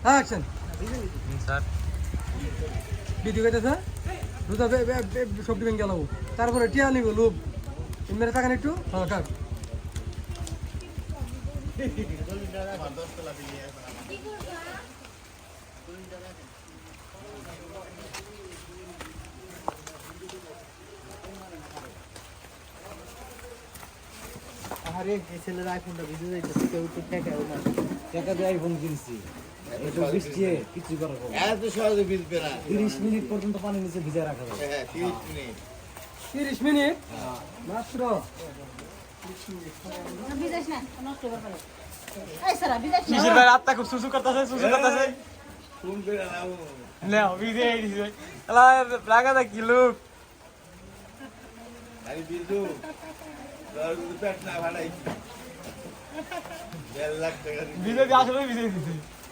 action sir video কইতেছে রুদা সবটি ভেঙে গেল তারপরে টিয়া নিব লোভ মেরে থাকেন একটু হ্যাঁ কাক আরে এই ছেলের আইফোনটা ভিজে যাইতেছে কেউ তো ঠেকাও না টাকা দিয়ে আইফোন কিনছি একটু বৃষ্টি কিছু করার হবে এত সহজে ভিজবে না 30 মিনিট পর্যন্ত পানির নিচে ভিজে রাখা যাবে হ্যাঁ 30 মিনিট 30 মিনিট মাত্র বিদেশ না নষ্ট করে এই সারা বিদেশ না শিশির ভাই রাতটা খুব সুসু করতেছে ফোন করে নাও নাও ভিডিও দিছে আলা লাগা দা কি লুক আরে বিজু তোর পেট না ভাড়াই 1.5 লাখ টাকা ভিডিও আসলে ভিডিও দিছে